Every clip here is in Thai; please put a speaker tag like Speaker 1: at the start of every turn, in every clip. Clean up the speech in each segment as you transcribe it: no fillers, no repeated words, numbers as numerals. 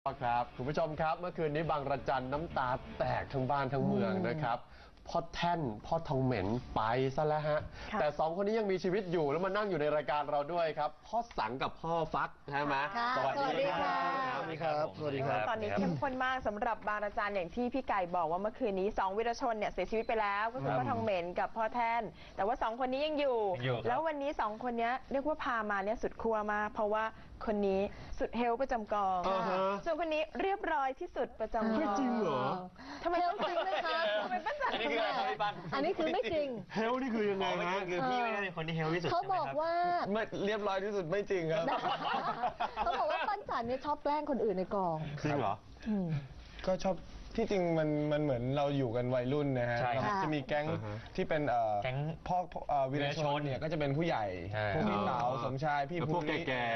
Speaker 1: ครับคุณผู้ชมครับเมื่อคืนนี้บางระจันน้ำตาแตกทั้งบ้านทั้งเมืองนะครับพ่อแท่นพ่อทองเหม็นไปซะแล้วฮะแต่สองคนนี้ยังมีชีวิตอยู่แล้วมานั่งอยู่ในรายการเราด้วยครับพ่อสังกับพ่อฟักใช่ไหม
Speaker 2: สวัสดีครับ
Speaker 1: สวัสดีครับสวัสดีครับ
Speaker 2: ตอนนี้เข้มข้นมากสำหรับบางระจันอย่างที่พี่ไก่บอกว่าเมื่อคืนนี้2วีรชนเนี่ยเสียชีวิตไปแล้วก็คือพ่อทองเหม็นกับพ่อแท่นแต่ว่า2คนนี้ยังอยู่แล้ววันนี้2คนนี้เรียกว่าพามาเนี่ยสุดขั้วมากเพราะว่าคนนี้สุดเฮลประจำกองส่วนคนนี้เรียบร้อยที่สุดประจำกอง
Speaker 1: ไม่จริงเหรอ
Speaker 2: ทำไมต้องจริงด้วยคะทำไมป้าจัน
Speaker 3: อันนี้คืออะไรพี่ปั้น
Speaker 4: อันนี้คือไม่จริง
Speaker 1: เฮลนี่คือยังไงนะ
Speaker 3: คือพี่ไม่ได้เป็นคนที่เฮลที่สุด
Speaker 4: เขาบอกว่า
Speaker 1: ไม่เรียบร้อยที่สุดไม่จริงครับ
Speaker 4: เขาบอกว่าปั้นจันเนี่ยชอบแกล้งคนอื่นในกอง
Speaker 1: จริงเหรอ
Speaker 5: ก็ชอบที่จริงมันเหมือนเราอยู่กันวัยรุ่นนะฮะเราจะมีแก๊งที่เป็น
Speaker 3: แก๊ง
Speaker 5: พ่อวีรชนเนี่ยก็จะเป็นผู้ใหญ่พวกพี่เต๋าสมชายพี่
Speaker 1: พวกแก่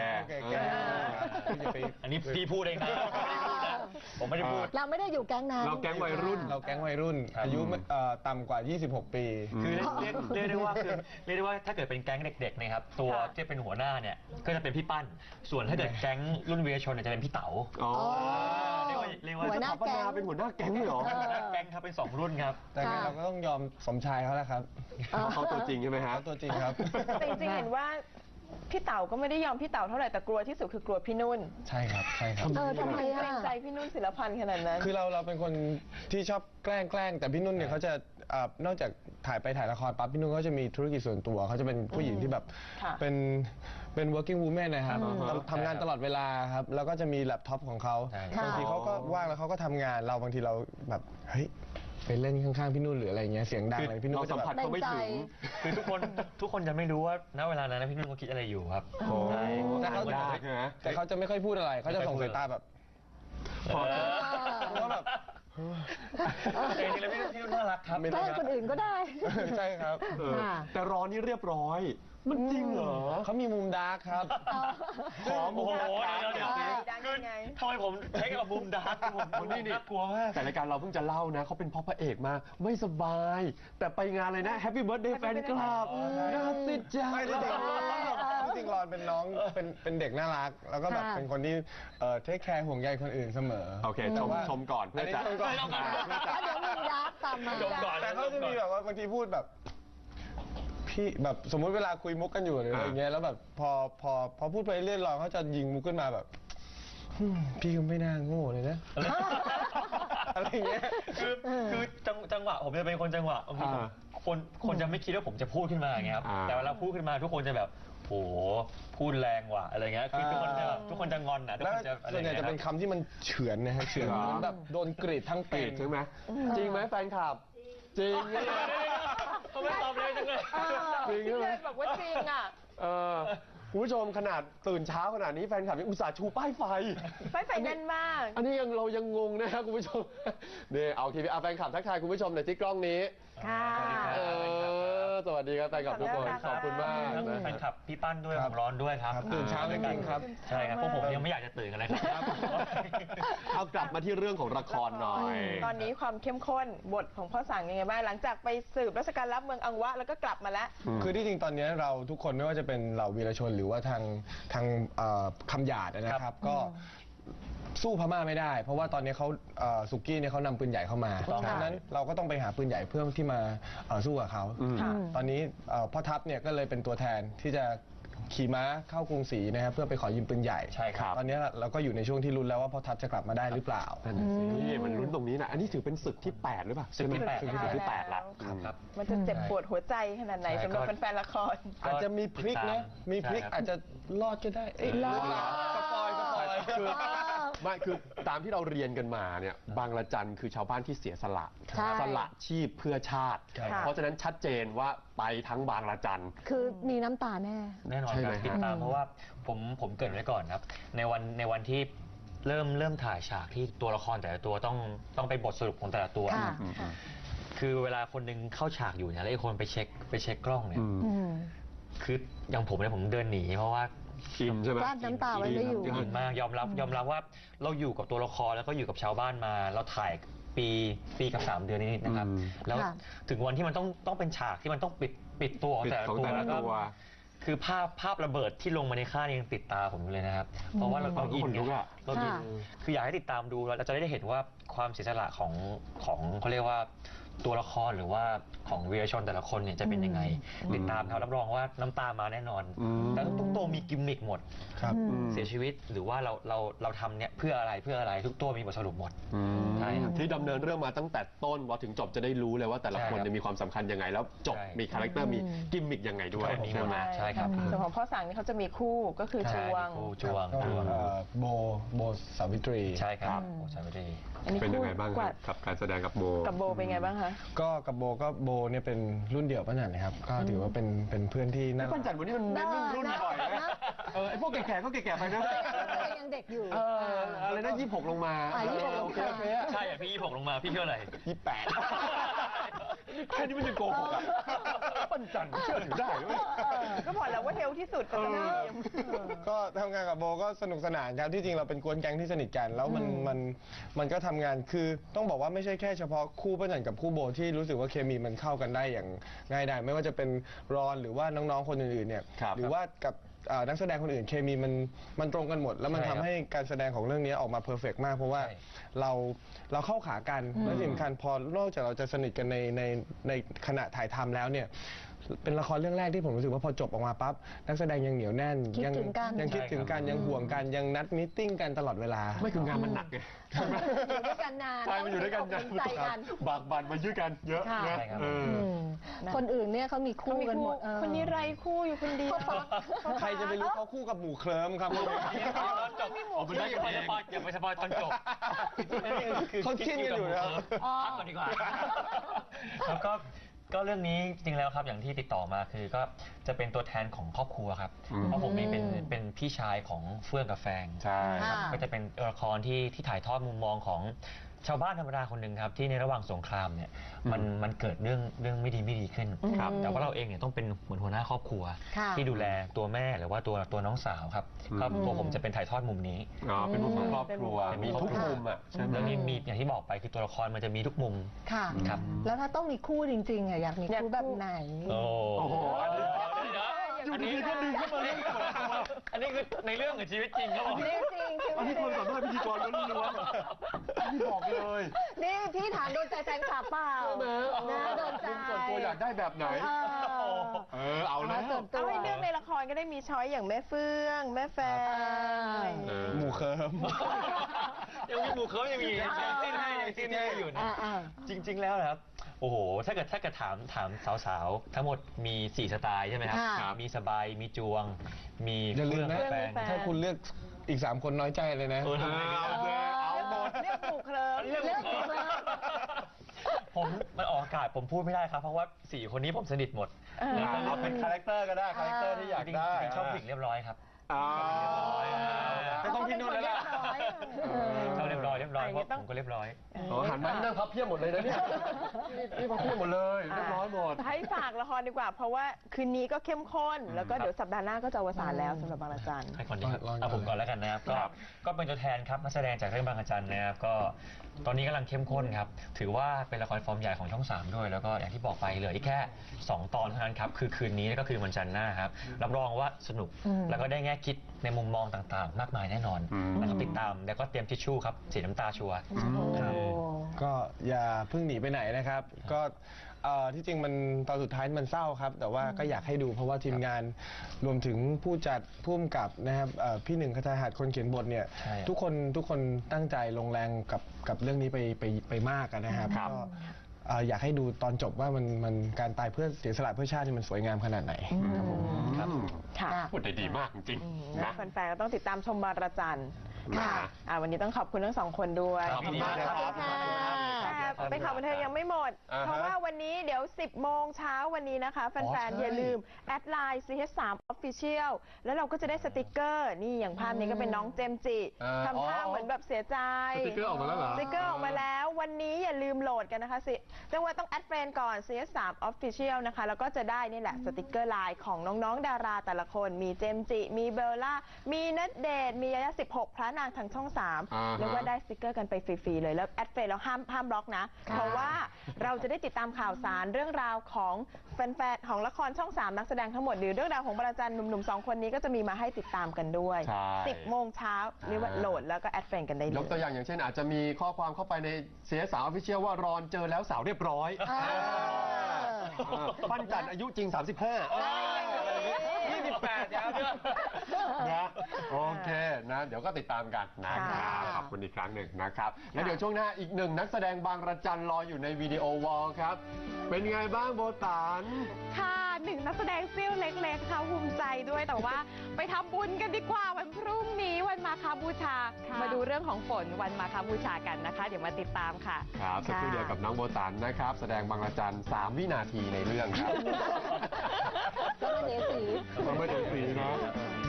Speaker 3: อันนี้พี่พูดเองนะผมไม่ได้พูด
Speaker 4: เราไม่ได้อยู่แก๊งนั้น
Speaker 1: เราแก๊งวัยรุ่น
Speaker 5: อายุต่ำกว่า26 ปี
Speaker 3: คือเรียกได้ว่าถ้าเกิดเป็นแก๊งเด็กๆนะครับตัวที่เป็นหัวหน้าเนี่ยก็จะเป็นพี่ปั้นส่วนถ้าเกิดแก๊งรุ่นวีรชนจะเป็นพี่เต๋าเรียกว่า
Speaker 4: หัวหน้าแก๊ง
Speaker 1: เป็นหัวหน้าแก๊งเลยเหรอ
Speaker 3: แก๊งครับเป็น2รุ่นครับ
Speaker 5: แต่เราก็ต้องยอมสมชายเขาแล้วครับ
Speaker 1: เขาตัวจริงใช่ไหมฮะ
Speaker 5: ตัวจริงครับ
Speaker 2: แต่จริงๆเห็นว่าพี่เต๋าก็ไม่ได้ยอมพี่เต๋าเท่าไหร่แต่กลัวที่สุดคือกลัวพี่นุ่น
Speaker 5: ใช่ครับ
Speaker 4: ทำไม
Speaker 2: เกรงใจพี่นุ่นศิลพันธ์ขนาดนั้น
Speaker 5: คือเราเป็นคนที่ชอบแกล้งแต่พี่นุ่นเนี่ยเขาจะนอกจากถ่ายละครปั๊บพี่นุ่นเขาจะมีธุรกิจส่วนตัวเขาจะเป็นผู้หญิงที่แบบเป็น working woman นะครับทำงานตลอดเวลาครับแล้วก็จะมีแล็ปท็อปของเขาบางทีเขาก็ว่างแล้วเขาก็ทำงานเราบางทีเราแบบเฮ้ยไปเล่นข้างๆพี่นุ่นหรืออะไรเงี้ยเสียงดังอะไรพี่นุ่นก็
Speaker 1: สัมผัสเขาไม่ถึง
Speaker 3: คือทุกคนจะไม่รู้ว่าณเวลานั้นพี่นุ่นเขาคิดอะไรอยู่ครับ
Speaker 5: แต่เขาจะไม่ค่อยพูดอะไรเขาจะส่งสายตาแบบพอแล้วแบบ
Speaker 3: เองเลยพี่นุ่นน่ารักครับ
Speaker 4: แกล้งคนอื่นก็ได้
Speaker 5: ใช่ครับ
Speaker 1: แต่รอนี่เรียบร้อยมันจริงเหรอ
Speaker 5: เขามีมุมดาร์กครับ
Speaker 1: ขอมุมดาร์ก
Speaker 3: เดี๋ยวทำไมผมใช้กับมุมดาร์กผมนี่กลัวมาก
Speaker 1: แต่รายการเราเพิ่งจะเล่านะเขาเป็นพ่อพระเอกมาไม่สบายแต่ไปงานเลยนะแฮปปี้เบิร์ธเดย์แฟนคลับน่าติดใจ
Speaker 5: จริงๆรอนเป็นน้องเป็นเด็กน่ารักแล้วก็แบบเป็นคนที่เทคแคร์ห่วงใยคนอื่นเสมอ
Speaker 1: โอเคชมก่อนเพื่อจะ
Speaker 4: เดี๋ยวมึงยักษ์ตามมา
Speaker 5: แต่เขาจะมีแบบว่าบางทีพูดแบบพี่แบบสมมุติเวลาคุยมุกกันอยู่หรืออะไรเงี้ยแล้วแบบพอพูดไปเรื่อยๆเขาจะยิงมุกขึ้นมาแบบพี่ก็ไม่น่าโง่เลยนะอะไรเงี้ย
Speaker 3: คือจังหวะผมจะเป็นคนจังหวะคนจะไม่คิดว่าผมจะพูดขึ้นมาอย่างเงี้ยครับแต่เวลาพูดขึ้นมาทุกคนจะแบบโหพูดแรงว่ะอะไรเงี้ยคือทุกคนจะงอนนะทุกคนจะ
Speaker 5: ส่วนใหญ่จะเป็นคำที่มันเฉือนนะฮะเฉือนแบบโดนกรีดทั้งปีก
Speaker 1: ใช่ไหมจริงไหมแฟนคลับจริง
Speaker 3: เขาไม่ตอบเลยจังเลย
Speaker 1: จริงใช่ไหม
Speaker 2: บอกว่าจริงอ่ะ
Speaker 1: คุณผู้ชมขนาดตื่นเช้าขนาดนี้แฟนคลับยังอุตส่าห์ชูป้ายไฟ
Speaker 2: แน่นมาก
Speaker 1: อันนี้เรายังงงนะครับคุณผู้ชมนี่เอาทีวีแฟนคลับทักทายคุณผู้ชมในที่กล้องนี้
Speaker 2: ค่ะ
Speaker 1: สวัสดีครับแฟนคลับทุกคนขอบคุณมาก
Speaker 3: นะแฟนคลับพี่ปั้นด้วยผมร้อนด้วยครับ
Speaker 5: ตื่นเช้าจริงๆครับ
Speaker 3: ใช่ครับพวกผมยังไม่อยากจะตื่นกันเลยครับ
Speaker 1: เอากลับมาที่เรื่องของละครหน่อย
Speaker 2: ตอนนี้ความเข้มข้นบทของพ่อสั่งยังไงบ้างหลังจากไปสืบราชการลับเมืองอังวะแล้วก็กลับมาแล้ว
Speaker 5: คือที่จริงตอนนี้เราทุกคนไม่ว่าจะเป็นเหล่าวีรชนหรือว่าทางคำหยาดนะครับก็สู้พม่าไม่ได้เพราะว่าตอนนี้เขาสุกี้เนี่ยเขานำปืนใหญ่เข้ามาดังนั้นเราก็ต้องไปหาปืนใหญ่เพื่อที่มาสู้กับเขาตอนนี้พ่อทัพเนี่ยก็เลยเป็นตัวแทนที่จะขี่ม้าเข้ากรุงศรีนะครับเพื่อไปขอยืมปืนใหญ่
Speaker 3: ใช่ครับ
Speaker 5: ตอนนี้เราก็อยู่ในช่วงที่ลุ้นแล้วว่าพ่อทัพจะกลับมาได้หรือเปล่า
Speaker 1: นี่มันลุ้นตรงนี้นะอันนี้ถือเป็นศึกที่8หรือเปล่า
Speaker 3: ศึกที่8
Speaker 1: ละ
Speaker 3: ครับ
Speaker 2: มันจะเจ็บปวดหัวใจขนาดไหนสำหรับแฟนละคร
Speaker 5: อาจจะมีพลิกนะมีพลิกอาจจะรอดก็ได้
Speaker 4: รอด
Speaker 5: สปอย
Speaker 1: ไม่คือตามที่เราเรียนกันมาเนี่ยบางระจันคือชาวบ้านที่เสียสละชีพเพื่อชาติเพราะฉะนั้นชัดเจนว่าไปทั้งบางระจัน
Speaker 4: คือมีน้ำตาแ
Speaker 3: น่นอนครับติดตามเพราะว่าผมเกริ่นไว้ก่อนครับในวันที่เริ่มถ่ายฉากที่ตัวละครแต่ละตัวต้องไปบทสรุปของแต่ละตัวคือเวลาคนนึงเข้าฉากอยู่เนี่ยแล้วอีกคนไปเช็คกล้องเนี่ยคืออย่างผมเนี่ยผมเดินหนีเพราะว่า
Speaker 1: อินใช่ไหม
Speaker 4: น้ำตาไว้ไม่อยู่
Speaker 3: อินมากยอมรับว่าเราอยู่กับตัวละครแล้วก็อยู่กับชาวบ้านมาเราถ่ายปีกับ3 เดือนนี้นะครับแล้วถึงวันที่มันต้องเป็นฉากที่มันต้องปิดตัวแต่ละตัวแล้วก็คือภาพระเบิดที่ลงมาในค่ายนี่ยังติดตาผมอยู่เลยนะครับ เพราะว่าเราอิน
Speaker 1: ขนลุกอะ
Speaker 3: เราอิน
Speaker 4: ค่ะ
Speaker 3: คืออยากให้ติดตามดูเราจะได้เห็นว่าความเสียสละของเขาเรียกว่าตัวละครหรือว่าของวีรชนแต่ละคนเนี่ยจะเป็นยังไง ติดตามครับรับรองว่าน้ำตามาแน่นอน แต่ทุกตัวมีกิมมิคหมด
Speaker 5: ครับ
Speaker 3: เสียชีวิตหรือว่าเราทำเนี่ยเพื่ออะไรทุกตัวมีบทสรุปหมด ใช่ครับ
Speaker 1: ที่ดำเนินเรื่องมาตั้งแต่ต้นพอถึงจบจะได้รู้เลยว่าแต่ละคน
Speaker 3: ใช่ครับ
Speaker 1: เนี่ยมีความสำคัญยังไง แล้วจบ
Speaker 3: ใช่
Speaker 1: มีคาแรคเตอร์มีกิมมิคยังไงด้วย
Speaker 3: มีหม
Speaker 1: ใช่
Speaker 3: ด
Speaker 1: ไหม
Speaker 3: ใช่ครับ
Speaker 2: ส่วนของพ่อสั่งนี่เขาจะมีคู่ก็คือจวง
Speaker 3: ใช่จวง
Speaker 5: ก็โบสาวิตรี
Speaker 3: ใช่ครับโอ้ใช่ไม่ได้
Speaker 2: อันนี้
Speaker 1: เป็นยังไง
Speaker 2: คู่
Speaker 1: บ้าง
Speaker 2: กว่า
Speaker 1: กับการแสดงกับโบ
Speaker 2: กับโบเป็นไงบ้างคะ
Speaker 5: ก็กับโบเนี่ยเป็นรุ่นเดียวป้าจันนะครับ ก็ถือว่าเป็นเพื่อนที่น่ารั
Speaker 1: ปั้นจัน
Speaker 5: ก
Speaker 1: วันนี้มันเน้นรุ่นบ่อยนะ ไอ้พวกแก่ๆก็แก่ๆไปนะ
Speaker 4: ยังเด็กอยู่
Speaker 1: อะไรนะ26 ลงมา
Speaker 4: 26
Speaker 1: โอเคโอเค
Speaker 3: ใช่อ่ะพี่26ลงมาพี่เชื่ออะไร
Speaker 1: 28แค่นี้มันยังโกหกอ่ะปั้นจันเชื่อถือได้เว้ย
Speaker 2: ก็บอกแล้วว่าเฮลที่สุดก็จะมี
Speaker 5: ก็ทำงานกับโบก็สนุกสนานครับที่จริงเราเป็นกวนแก๊งที่สนิทกัน แล้วมันก็ทำงานคือต้องบอกว่าไม่ใช่แค่เฉพาะคู่ป้าจันกับคู่โบที่รู้สึกว่าเคมีมันเข้ากันได้อย่างง่ายดายไม่ว่าจะเป็นรอนหรือว่าน้องๆคนอื่นๆเนี่ย
Speaker 1: ครับ
Speaker 5: หรือว่ากับนักแสดงคนอื่นเคมีมันตรงกันหมด แล้วมัน
Speaker 3: ใช่ครั
Speaker 5: ทำ
Speaker 3: บ
Speaker 5: ให้การแสดงของเรื่องนี้ออกมาเพอร์เฟกต์มาก เพราะว่า
Speaker 3: ใช่
Speaker 5: เราเข้าขากันและที่สำคัญพอนอกจากเราจะสนิทกันในขณะถ่ายทำแล้วเนี่ยเป็นละครเรื่องแรกที่ผมรู้สึกว่าพอจบออกมาปั๊บนักแสดงยังเหนียวแน่น
Speaker 4: คิดถึงกัน
Speaker 5: ยังคิดถึงกันยังห่วงกันยังนัดมตติ팅กันตลอดเวลา
Speaker 1: ไม่คืองานมันหนักไง
Speaker 4: อยู่ด้วยกันนาน
Speaker 1: ใช่มันอยู่ด้วยกัน
Speaker 4: ต้
Speaker 1: นะ
Speaker 4: งใจกัน
Speaker 1: บากบั่นมายืดกันเยอะ
Speaker 4: ค่ะ
Speaker 1: นะ
Speaker 3: ใช่ครับ
Speaker 1: เออ
Speaker 4: อืมคนอื่นเนี่ยเขามีคู่กันหมดเออ
Speaker 2: คนนี้ไรคู่อยู่คนเดียว
Speaker 5: ใครจะไปรู้เขาคู่กับหมูเคลิ้มครับ
Speaker 3: ตอนจบอย่าไปสปอยตอนจบ
Speaker 5: เขาคิดกันอยู่นะครับ
Speaker 3: พักก่อนดีกว่าแล้วก็เรื่องนี้จริงแล้วครับอย่างที่ติดต่อมาคือก็จะเป็นตัวแทนของครอบครัวครับเพราะผมเองเป็นพี่ชายของเฟื่องกับแฟง
Speaker 1: ใช่
Speaker 4: ค่ะ
Speaker 3: ก็จะเป็นละครที่ถ่ายทอดมุมมองของชาวบ้านธรรมดาคนหนึ่งครับที่ในระหว่างสงครามเนี่ยมันเกิดเรื่องไม่ดีขึ้น
Speaker 1: ครับ
Speaker 3: แต่ว่าเราเองเนี่ยต้องเป็นเหมือนหัวหน้าครอบครัว
Speaker 4: ค่ะ
Speaker 3: ที่ดูแลตัวแม่หรือว่าตัวน้องสาวครับก็ตัวผมจะเป็นถ่ายทอดมุมนี้
Speaker 1: อ๋อเป็นมุมของครอบครัว
Speaker 3: เป็นมุ
Speaker 1: มี
Speaker 3: ม
Speaker 1: ทุกมุมอ่ะใช่ไหม
Speaker 3: แล้วนี่มีอย่างที่บอกไปคือตัวละครมันจะมีทุกมุม
Speaker 4: ค่ะ
Speaker 3: ครับ
Speaker 4: แล้วถ้าต้องมีคู่จริงๆอ่ะอยากมีคู่แบบไหน
Speaker 3: โอ้
Speaker 1: โอ้โหอันนี้
Speaker 3: อันนี้ก็ดึงขึ้นมาเรื่องอันนี้คือในเรื่องกับชีวิตจริงครับผม
Speaker 4: จริงจริงใช่ไหม
Speaker 1: อันนี้คนสัมภาษณ์พิธีกรล้วนๆพี่บอกเลย
Speaker 4: นี่พี่ถามโดนใจแฟนคลับเปล่านะโดนใจ
Speaker 1: ส่วนตัวอยากได้แบบไหน เอาแล้ว
Speaker 4: ส่วนตั
Speaker 2: เอา
Speaker 4: ว
Speaker 2: ให้เลือกในละครก็ได้มีช้อยอย่างแม่เฟื่อง แม่แฟน
Speaker 5: หมูเคลิ้ม
Speaker 3: ยังมีหมู่เขายังมียังสิ้นให้อยู่นะ จริง ๆ แล้วนะครับ โอ้โห ถ้าเกิดถามสาวๆ ทั้งหมดมี 4 สไตล์ใช่ไหมครับ
Speaker 4: ค่ะ
Speaker 3: มีสบาย มีจวง มี
Speaker 5: อย่าลืมนะ
Speaker 3: เฟื่องแฟน
Speaker 2: แฟน
Speaker 5: ถ้าคุณเลือกอีก 3 คนน้อยใจเลยนะ
Speaker 3: ทำไมไม่ได้
Speaker 1: เอาหมด
Speaker 2: เรียกหมู่เคลิ้ม
Speaker 3: เรื่องของผมมันออกอากาศผมพูดไม่ได้ครับ เพราะว่า 4 คนนี้ผมสนิทหมด
Speaker 1: เอาเป็นคาแรคเตอร์ก็ได้คาแรคเตอร์ที่อยาก
Speaker 3: จริง
Speaker 1: ได้
Speaker 3: ๆชอบผู้หญิงเรียบร้อยครับ
Speaker 1: ก็ต้องพี่นุ่นแล้วล่ะ
Speaker 3: ชอบเรียบร้อยเพราะผมก็เรียบร้อย
Speaker 1: หันมานั่งพับเพียบหมดเลยนะเนี่ยนี่พับเพียบหมดเลยเรียบร้อยหมด
Speaker 2: ให้ฝากละครดีกว่า เพราะว่าคืนนี้ก็เข้มข้น แล้วก็เดี๋ยวสัปดาห์หน้าก็จะอวสานแล้วสำหรับบางระจัน
Speaker 3: ให้ก่อนดีครับ
Speaker 5: ลองก่อน
Speaker 3: เอาผมก่อนแล้วกันนะครับ
Speaker 1: ครับ
Speaker 3: ก็เป็นตัวแทนครับนักแสดงจากเรื่องบางระจันนะครับก็ตอนนี้กำลังเข้มข้นครับ ถือว่าเป็นละครฟอร์มใหญ่ของช่อง 3 ด้วย แล้วก็อย่างที่บอกไปเหลืออีกแค่ 2 ตอนเท่านั้นครับ คือคืนนี้แล้วก็คือวันจันทร์หน้าครับ รับรองว่าสนุก แล้วก็ได้แง่คิดในมุมมองต่างๆ มากมายแน่นอนนะครับติดตามแล้วก็เตรียมทิชชู่ครับสีน้ำตาชัวร์
Speaker 5: ก็อย่าเพิ่งหนีไปไหนนะครับ ก็ที่จริงมันตอนสุดท้ายมันเศร้าครับ แต่ว่าก็อยากให้ดูเพราะว่าทีมงานรวมถึงผู้จัดผู้กำกับนะครับพี่หนึ่งคทาหัสคนเขียนบทเนี่ย
Speaker 3: ใช่
Speaker 5: ทุกคนตั้งใจลงแรงกับเรื่องนี้ไปมากอะนะครับ
Speaker 1: ครับ
Speaker 5: ก็อยากให้ดูตอนจบว่ามันการตายเพื่อเสียสละเพื่อชาตินี่มันสวยงามขนาดไหนครับผม
Speaker 2: ค่ะ
Speaker 1: พูดได้ดีมากจริงๆ
Speaker 2: นะ
Speaker 1: นะ
Speaker 2: แฟนๆก็ต้องติดตามชมบางระจัน
Speaker 1: ค่ะ
Speaker 2: วันนี้ต้องขอบคุณทั้ง 2 คนด้วย
Speaker 3: ขอบคุณมากครับ
Speaker 2: แต่เป็นข่าวบันเทิงยังไม่หมด
Speaker 1: อ่าฮะ
Speaker 2: เพราะว่าวันนี้เดี๋ยว 10 โมงเช้าวันนี้นะคะ แฟน
Speaker 5: ใช่
Speaker 2: ๆ อย่าลืม แอดไลน์ CH3 Official แล้วเราก็จะได้สติกเกอร์ นี่อย่างภาพนี้ก็เป็นน้องเจมส์จิทำท่าเหมือนแบบเสียใจ
Speaker 1: สติกเกอร์ออกมาแล้วเหรอ
Speaker 2: สติกเกอร์ออกมาแล้ว วันนี้อย่าลืมโหลดกันนะคะสิจังหวะต้องแอดเฟรนก่อน CH3 Official นะคะ แล้วก็จะได้นี่แหละสติกเกอร์ไลน์ของน้องๆ ดาราแต่ละคน มีเจมส์จิ มีเบลล่า มีณเดชน์มียายา16 พระนางทางช่อง 3
Speaker 1: อ่าฮะ
Speaker 2: เรียกว่าได้สติกเกอร์กันไปฟรีๆเลย แล้วแอดเฟรนแล้วห้ามบล็อกนะ เพราะว่าเราจะได้ติดตามข่าวสารเรื่องราวของแฟนๆของละครช่อง 3 นักแสดงทั้งหมดหรือเรื่องราวของบรรจันหนุ่มๆ2 คนนี้ก็จะมีมาให้ติดตามกันด้วย
Speaker 1: ใช่
Speaker 2: 10 โมงเช้าเรียกว่าโหลดแล้วก็แอดเฟรนด์กันได้เลย
Speaker 1: ยกตัวอย่างเช่นอาจจะมีข้อความเข้าไปใน CSR Official ว่ารอนเจอแล้วสาวเรียบร้อย ปั้นจันอายุจริง 35 28ครับนะโอเคนะเดี๋ยวก็ติดตามกันนะครับขอบคุณอีกครั้งหนึ่งนะครับแล้วเดี๋ยวช่วงหน้าอีกหนึ่งนักแสดงบางระจันรออยู่ในวิดีโอวอลครับ เป็นไงบ้างโบตาน
Speaker 6: ค่ะหนึ่งนักแสดงซิ่วเล็กๆค่ะภูมิใจด้วยแต่ว่าไปทำบุญกันดีกว่าวันพรุ่งนี้วันมาฆบูชา มาดูเรื่องของฝนวันมาฆบูชากันนะคะ เดี๋ยวมาติดตามค่ะ
Speaker 1: ครับสักครู่เดียวกับน้องโบตันนะครับ แสดงบางระจัน3 วินาทีในเรื่องครับ
Speaker 4: ก็มาเดสี
Speaker 1: ไม่ถึงสีนะ